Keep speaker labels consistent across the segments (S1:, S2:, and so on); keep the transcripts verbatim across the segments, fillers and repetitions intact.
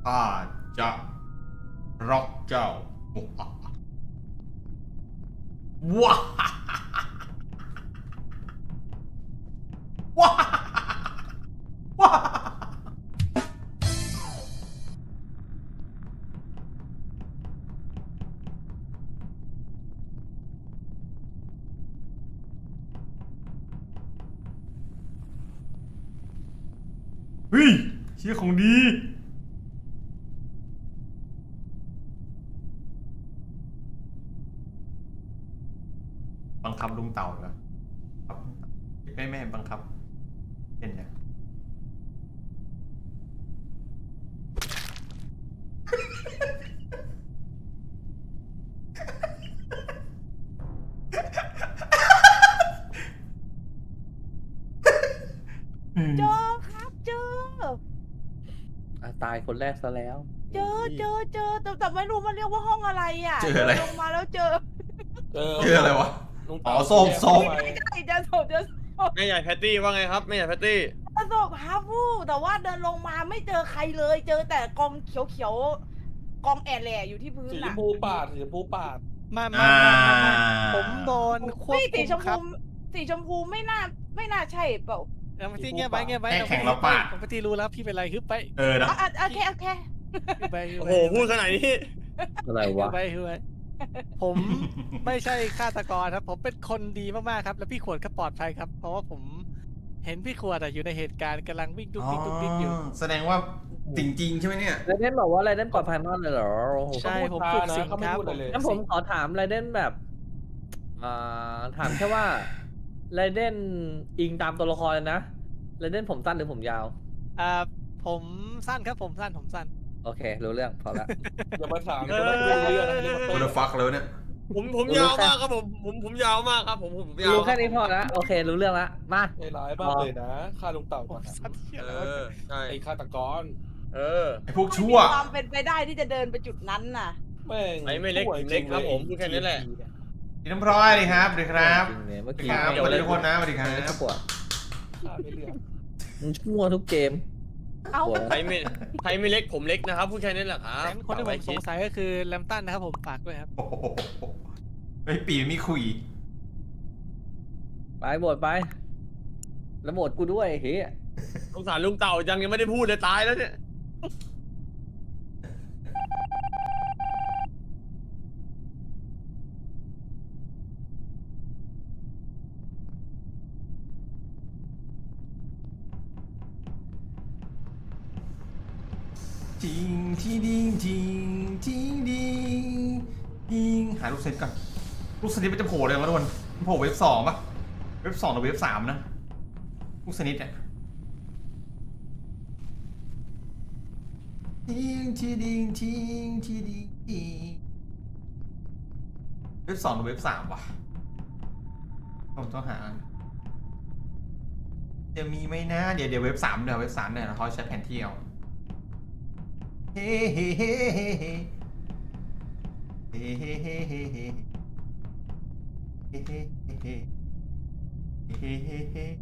S1: ข้าจะร็อกเจ้าว้าว้าว้าเฮ้ยเชี่ยของดีบังคับลุงเต่าเหรอครับแม่แม่บังคับเป็นไง
S2: เจอครับเจอ
S3: อ่ะตายคนแรกซะแล้ว
S2: เจอเจอเจอแต่แต่ไม่รู้มันเรียกว่าห้องอะไรอ่ะ
S1: เจออะไร
S2: ลงมาแล้วเจอ
S4: เจอ
S1: เจออะไรวะ
S4: ลุง
S1: อ๋
S4: เต่า
S1: อส้มส้ม
S2: ไม่ใช่เจอศพเจอศพ
S5: แม่ใหญ่แพตตี้ว่าไงครับแม่ใหญ่แพตตี้
S2: เจอศพฮาฟูแต่ว่าเดินลงมาไม่เจอใครเลย เจอแต่กองเขียวเขียวๆกองแอร์แหล่อยู่ที่พื้น
S4: สีช
S2: น่ะ
S4: มพูปาดสีชมพูปาด
S6: มามา
S1: อ่า
S6: มามาผมโดนควบ
S2: ไม่สี
S6: คุม
S2: ชม
S6: ครั
S2: พู
S6: บ
S2: สีชมพูไม่น่าไม่น่าใช่เปล่า
S6: เอามาที่เงียบไว้เงียบไว้
S1: แข่งแล้วปะ
S6: ผมพี่รู้แล้วพี่เป็นไรฮึบไป
S1: เออนะ
S2: อ่ะอ่ะโอเคโอเค
S6: ฮึบไปฮึบ
S5: โอ้
S6: ไป
S5: โหพูดขนาดนี้
S3: อะไร
S6: ฮึบ
S3: วะ
S6: ไปฮึบไปผมไม่ใช่ฆาตกรครับ ผมเป็นคนดีมากๆครับ แล้วพี่ขวดก็ปลอดภัยครับ เพราะว่าผมเห็นพี่ขวดอะอยู่ในเหตุการณ์กำลังวิ่งดุ๊กดิ๊กดุ๊กดิ๊กอยู่
S1: แสดงว่าจริงๆใช่ไหมเนี่ย
S3: ไรเดนบอกว่าไรเดนปลอดภัยมากเลยเหรอโอ้โห
S6: ใช่ผม
S4: เขา
S6: ฝึ
S4: พู
S6: ก
S4: ด
S6: สิ่
S4: ช้าง นะเขาไม่พูด
S6: ครับผ
S4: อะไร
S6: ม
S4: เลย
S3: งั้นผมขอถามไรเดนแบบอ่าถามแค่ว่าไรเดนอิงตามตัวละครเลยนะไรเดนผมสั้นหรือผมยาว
S6: อ่าผมสั้นครับผมสั้นผมสั้น
S3: โอเค รู้เรื่องพอละ
S4: อย่ามาถามจะไม่รู้เรื่องนะเรื่อง
S1: โอ
S4: มัน
S1: เดฟักแล้วเนี่ย
S5: ผมผมยาวมากครับผมผมผมยาวมากครับผมผมยาว
S3: รู้แค่นี้พอละโอเค รู้เรื่องละมา
S4: ใจร้ายมากเลยนะฆ่าลุงเต่า
S6: ผ
S4: ก่อน
S6: ม
S4: นะ
S6: สั้นเที่ย
S5: เอ
S6: แล้ว
S5: อใช่
S4: ไอ้ฆาตกร
S5: เออ
S1: ไอพวก
S2: ไม่
S1: ชั่
S2: มี
S1: ว
S2: ความเป็นไปได้ที่จะเดินไปจุดนั้นน่ะ
S4: แม่ง
S5: ไอ้ไม่เล็กผมเล็กครับผมพูดแค่นี้แหละ
S1: ดีน้ำพร้อยดีครับสวัสดีครับ
S3: จริงๆเนี่ยเมื่อ
S1: สวัสดี
S3: กี้
S1: ครับสวัสดีทุกคนนะสวัสดีครับ
S3: ไม่ปวด
S4: ฆ่าไม่เลือก
S3: มึงชั่วทุกเกม
S2: เอา
S3: ปวด
S5: ใครไม่ใครไม่เล็กผมเล็กนะครับพูดแค่นี้แหละครับ
S6: งั้นคนที่ผมสงสัยก็คือแลมตันนะครับผมฝากด้วยครับ
S1: โอ้โหไอปีไม่คุย
S3: ไปบวชไป แล้วบวชกูด้วยเฮ้ย
S5: สงสารลุงเต่ายังยังไม่ได้พูดเลยตายแล้วเนี่ย
S1: จริงที่ดิงจริงจริงดิงดิงหาลูกเซตก่อนลูกเซตมันจะโผล่เลยมั้ยทุกคนมันโผล่เว็บสองปะเว็บสองหรือเว็บสามนะลูกเซตเนี่ยจริงที่ดิงจริงที่ดิงจริงเว็บสองหรือเว็บสามวะผมต้องหาจะมีไหมนะเดี๋ยวเดี๋ยวเว็บสามเดี๋ยวเว็บสามเนี่ยเราเขาใช้แผนที่เอาเฮ้เฮ้เฮ้เฮ้เฮ้เฮ้เฮ้เฮ้เฮ้เฮ้เฮ้เฮ้เฮ้เฮ้เฮ้เฮ้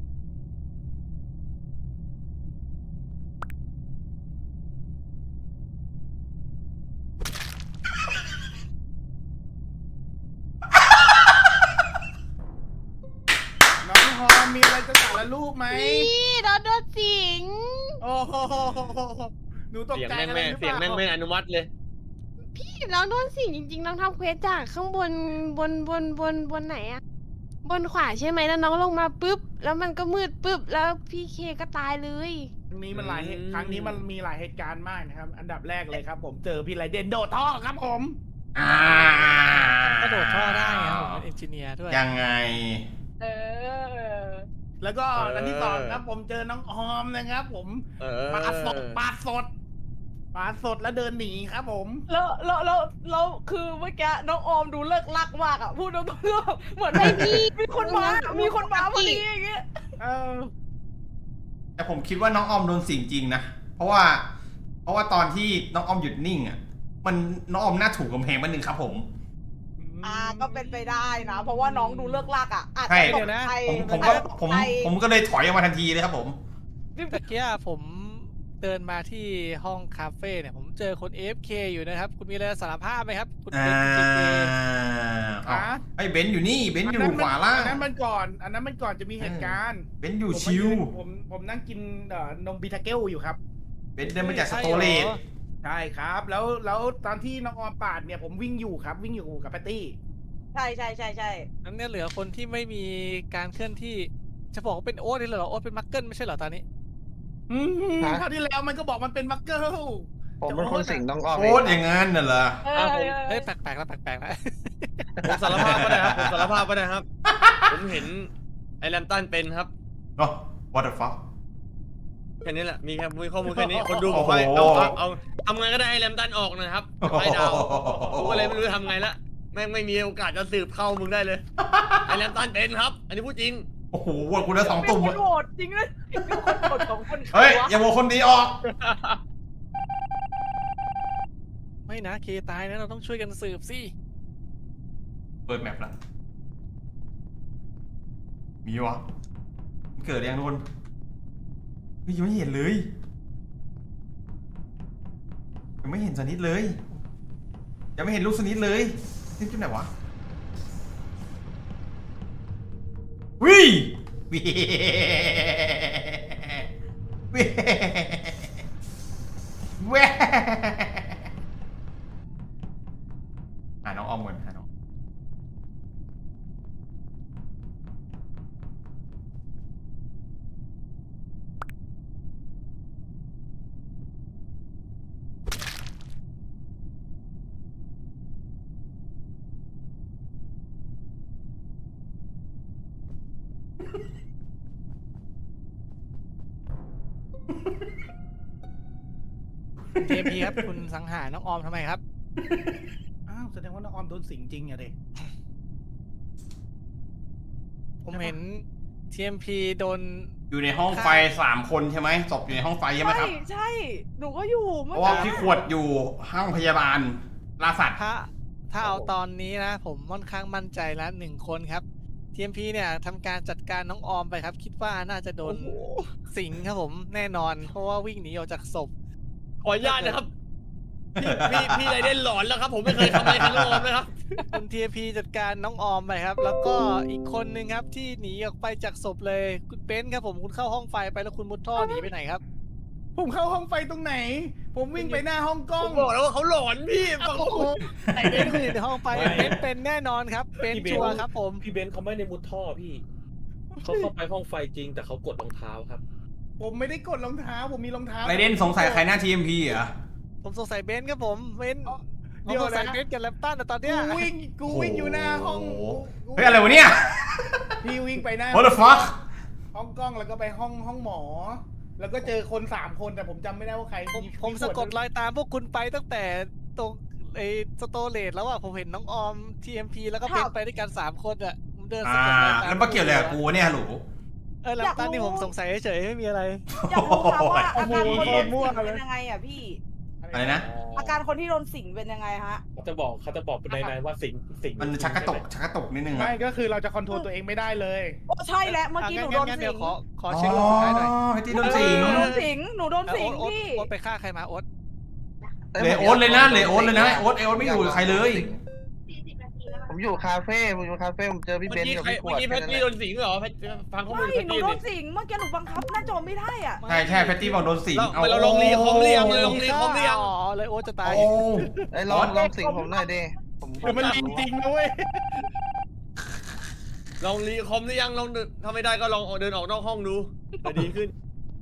S7: น้องฮอมมีอะไรจะสารลูกไหม
S2: นี่โดนโดนสิง
S7: โอ้โหหนูตก
S5: เสียง
S7: ใจ
S5: แม่ง
S7: อะไร
S5: แม่
S7: หรือเป
S5: เสียง
S7: ล่า
S5: แม่งไม่อนุมัติเลย
S8: พี่น้องโดนสิงจริงๆน้องทำเควสจากข้างบนบนบนบนบนไหนอะบนขวาใช่ไหมแล้วน้องลงมาปุ๊บ แล้วมันก็มืดปุ๊บ แล้วพี่เคก็ตายเลย
S7: ครั้งนี้มันหลายเหตุ
S5: อืม
S7: ครั้งนี้มันมีหลายเหตุการณ์มากนะครับ อันดับแรกเลยครับ ผมเจอพี่ไรเดนโดดท่อครับผม
S1: อ่าก
S6: ระโดดท่อได้ครับผมเป็นเอนจิเนียร์ด้วย
S1: ยังไง
S2: เออ
S7: แล้วก็อันที่สองครับผมเจอน้องฮอมนะครับ ผม
S5: เออ
S7: ปาดสดปาดสดปาดสดแล้วเดินหนีครับผม
S2: แล้วแล้วแล้วแล้วคือเมื่อกี้น้องออมดูเลิกลักมากอ่ะพูดตรงๆเหมือนไม่มีมีคนมา มีคนมาพอดีอย่างเงี้ย
S7: เออ
S1: แต่ผมคิดว่าน้องออมโดนสิ่งจริงนะ เพราะว่า เพราะว่าตอนที่น้องออมหยุดนิ่งอ่ะ มันน้องออมหน้าถูกกำแพงมันหนึ่งครับผม
S2: อ่าก็เป็นไปได้นะ เพราะว่าน้องดูเลิกลักอ่ะอาจ
S1: ใช่
S2: จะตกใจ
S1: ผมผมก็ผม
S2: อาจจะตกใจ
S1: ผมก็เลยถอยออกมาทันทีเลยครับผม
S6: ตะเกียผมเดินมาที่ห้องคาเฟ่เนี่ยผมเจอคน เอ เอฟ เค อยู่นะครับ คุณมีอะไรจะสารภาพไหมครับ คุณ
S1: อ่า
S6: เป็นจีเอ
S1: อ้าวไอ้เบนซ์อยู่นี่เบนซ์อยู่ขวาล่าง
S7: อันนั้นมันก่อน อันนั้นมันก่อนจะมีเหตุการณ์
S1: เบนซ์อยู่
S7: ผมมา
S1: ชิว
S7: ยืนผมผมนั่งกินเอ่อนมบิทาเกลอยู่ครับ
S1: เบนซ์เดินมาจากสโตเลต
S7: ใช่ครับ แล้วแล้วตอนที่น้องออมปาดเนี่ยผมวิ่งอยู่ครับ วิ่งอยู่กับแพตตี้
S2: ใช่ใช่ใช่ใช่
S6: นั้นเนี่ยเหลือคนที่ไม่มีการเคลื่อนที่จะบอกว่าเป็นโอ๊ตนี่เหรอโอ๊ตเป็นมักเกิลไม่ใช่เหรอตอนนี้
S7: อืม
S9: ฮะ
S7: คราวที่แล้วมันก็บอกมันเป็นมักเกิล
S9: ผมเป็นคนสิงน้องออม
S1: โคตรอย่างงั้นน่ะเหรอ
S2: เอ
S3: อ่ะ
S2: อ
S3: ผม
S6: เฮ้ยแปลกๆแล้วแปลกๆแล้ว
S5: ผมสารภาพก็ได้ครับผมสารภาพก็ได้ครับ ผมเห็นไอ้แรมตันเป็นครับ
S1: โอ้ what the fuck
S5: แค่นี้แหละมีแค่มีข้อมูลแค่นี้คนดูบอกว่า
S1: โอ้
S5: เอา
S1: โห
S5: เอาเอาทำไงก็ได้ให้แรมตันออกนะครับไอ้ดาวกูก็เลยไม่รู้จะทำไงละแม่งไม่มีโอกาสจะสืบเข้ามึงได้เลยไอ้แรมตันเป็นครับ อันนี้พูดจริง
S1: โอ้โหโหวตคุณได้สองตุ่ม
S2: เป็น
S1: อะ
S2: คนโหวตจริงเลยเป็นคนโหวตสองคนใคร
S1: เฮ้ย
S2: วะ
S1: อย่าโหวตคนดีออก
S6: ไม่นะเคตายนะเราต้องช่วยกันสืบสิ
S1: เปิดแมปละมีวะมันเกิดยังโดนเฮ้ยยังไม่เห็นเลยยังไม่เห็นสนิทเลยยังไม่เห็นลูกสนิทเลยนี่จุดไหนวะวิวิวิเว้หาน้องออมก่อนหาน้อง
S6: เจพีครับ คุณสังหารน้องออมทำไมครับ
S7: อ้าวแสดงว่าน้องออมโดนสิงจริงอะเด็
S6: ผมเห็น ที เอ็ม พี โดน
S1: อยู่ในห้องไฟสามคนใช่ไหมศพอยู่ในห้องไฟใช่ไหม
S2: ใช่
S1: ครับ
S2: ใช่หนูก็อยู่
S1: เพ
S2: เมื่อ
S1: ราะว่า
S2: กี้
S1: พี่ขวดอยู่ห้องพยาบาลล่าสัตว์
S6: ถ้าถ้าเอาตอนนี้นะ ผมค่อนข้างมั่นใจแล้วหนึ่งคนครับ ที เอ็ม พี เนี่ยทำการจัดการน้องออมไปครับ คิดว่าน่าจะโดนสิงครับผมแน่นอน เพราะว่าวิ่งหนีออกจากศพ
S5: ขออนุญาตนะครับ พี่พี่พี่ไรเด่นหลอนแล้วครับ ผมไม่เคยทำอะไรทั้งโอมนะครับ
S6: คุณ ที เอ็ม พี จัดการน้องออมไปครับ แล้วก็อีกคนนึงครับที่หนีออกไปจากศพเลยคุณเบนซ์ครับผมคุณเข้าห้องไฟไปแล้วคุณมุดท่อหนีไปไหนครับ
S7: ผมเข้าห้องไฟตรงไหน ผมวิ่งไปหน้าห้องกล้อ
S5: ผ
S7: ง
S5: มบอกแล้วว่าเขาหลอนพี่ฟังผม
S6: ไอเบนซ์อยู่ในห้องไฟเบนซ์เป็นแน่นอนครับเบนซ์ชัวร์ครับผม
S4: พี่เบนซ์เขาไม่ได้มุดท่อพี่เขาเข้าไปห้องไฟจริง แต่เขากดรองเท้าครับ
S7: ผมไม่ได้กดรองเท้า ผมมีรองเท้า
S1: ไรเด่นสงสัยใครหน้าทีเอ็มพีเหรอ
S6: ผมสงสัยเบนซ์ครับผมเบนซ์
S7: อ๋อ
S6: ผม
S7: เดี๋ยว
S6: สงสัย
S7: นะ
S6: เบนซ์กับแลมตันแต่ตอน
S7: กู
S6: เนี้ย
S7: วิ่ง กูวิ่งอยู่หน้าห้อง
S1: โอ้โห
S7: กู
S1: เฮ้ยอะไรวะเนี่ย
S7: พี่วิ่งไปหน้า
S1: what the fuck
S7: ห้องกล้องแล้วก็ไปห้องห้องหมอ แล้วก็เจอคนสามคนแต่ผมจำไม่ได้ว่าใคร
S6: ผมผมสะกดรอยตามพวกคุณไปตั้งแต่ตรงไอ้สโตเลตแล้วอ่ะผมเห็นน้องออม ที เอ็ม พี แล้วก็เบนซ์ไปด้วยกันสามคนอ่ะผมเดินสะ
S1: อ่าก
S6: ดรอยตาม
S1: แล้วมาเกี่ยวอะไรกับกูเนี่ยฮัลโหล
S6: เออแลมตันนี่ผมสงสัยเฉยๆไม่มีอะไร
S2: อยากรู้ค่ะว่าอาการคนโดน
S7: มั่ว
S2: สิง
S7: เล
S2: เป็
S7: ย
S2: นยังไงอ่ะพี่
S1: อะไรนะ
S2: อาการคนที่โดนสิงเป็นยังไงฮะ
S4: เขาจะบอกเขาจะบอกในในว่าสิงสิง
S1: มันชักกระตกชักกระตกนิดนึงอะ
S7: ไม่ก็คือเราจะคอนโทรลตัวเองไม่ได้เลย
S2: โอ้ใช่แล้วเมื่อกี้หนูโดน
S6: งั้นๆ
S2: สิ
S6: เดี๋ยว
S2: ง
S6: ขอขอ
S1: อ๋อ
S6: เช็ครอบสุดท้ายหน่อย
S1: ไอ้ที่โดนสิง
S2: หนูโดนสิงหนูโดนสิง
S6: โอ๊ต
S2: พี่
S6: โอ๊ตไปฆ่าใครมาโอ๊ต
S1: เลโอตเลยนะเลโอตเลยนะโอ๊ตเอโอ๊ตไม่อยู่กับใครเลย
S9: ผมอยู่คาเฟ่ผมอยู่คาเฟ่ผมเจอพี่
S5: เมื่อ
S9: เบน
S5: กี้
S9: ซ์กับ
S5: ใคร
S9: พี่ข
S5: เมื่
S9: ว
S5: อ
S9: ด
S5: กี้แพ
S9: แค่
S5: ต
S9: นั้น
S5: ตี้
S9: แห
S5: โด
S9: ละ
S5: นสิงเหรอแพทฟังข้อมูล
S2: ไม่
S5: แพต
S2: หนู
S5: ตี้
S2: โด
S5: ดิ
S2: นสิงเมื่อกี้หนูบังคับหน้าจอไม่ได้อ่ะ
S1: ใช่ใช่แพตตี้บอกโดนสิง
S5: เรา
S1: เอา
S5: เราลองรีคอมเรียงเลยลองรีคอมเรียง
S6: อ๋อเลยโอ๊ตจะตาย
S1: โอ้
S9: ไอ้ยลองลองสิงผมหน่อยดิผม
S7: แต่มันจริงๆนะเว้ย
S5: ลองรีคอมหรือยังลองเดินถ้าไม่ได้ก็ลองเดินออกนอกห้องดูจะดีขึ้น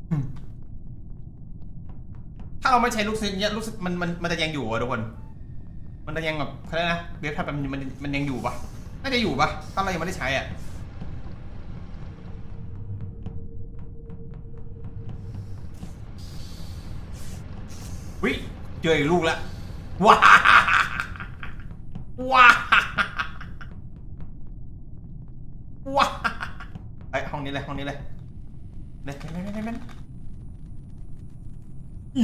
S1: ถ้าเราไม่ใช้ลูกศิษย์เนี่ยลูกศิษย์มันมันมันจะยังอยู่อะทุกคน มันจะยังแบบเขาเรียกนะเว็บทับมันมันมันยังอยู่ปะน่าจะอยู่ปะถ้าเรายังไม่ได้ใช้อ่ะวิเจออีกลูกแล้วว้าว้าว้าไอยห้องนี้เลยห้องนี้เลยเล่นเล่นเล่นเล่นเล่นอี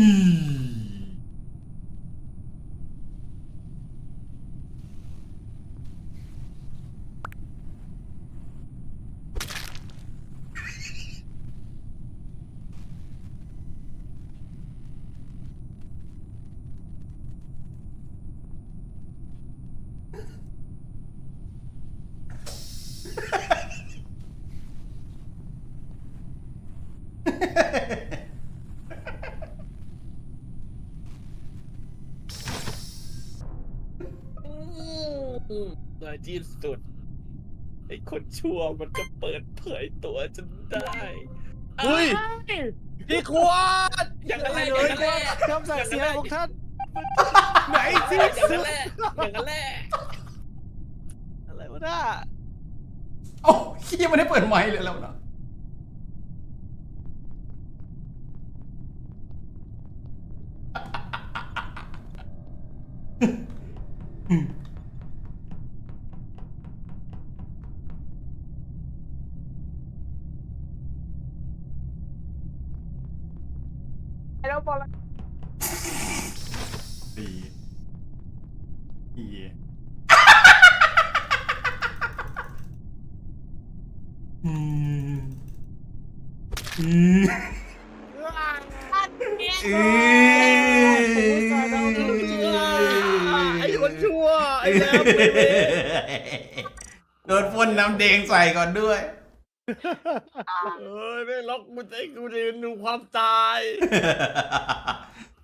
S4: ที่สุดไอ้คนชั่วมันก็เปิดเผยตัวจนได้
S5: เฮ้ยพี่ควร
S4: อย่างนั้นแหละอย่างนั้นแหละ
S6: คำสั่งเสียของท่าน
S7: ไหนที่
S4: อย่าง
S7: สุ
S4: นั้น
S7: ด
S4: แหละอย่างนั้นแหละ
S6: อะไรวะน่า
S1: โอ้ขี้ยังไม่ได้เปิดไมค์เลยแล้วนะ
S2: แล้วบอล
S1: ดีดีอืมอืมอืม
S5: ไอ้คนชั่วไอ้แล้ว
S1: โดนพ่นน้ำแดงใส่ก่อนด้วย
S5: เออไม่ล็อกกูจะให้กูเรียนดูความตาย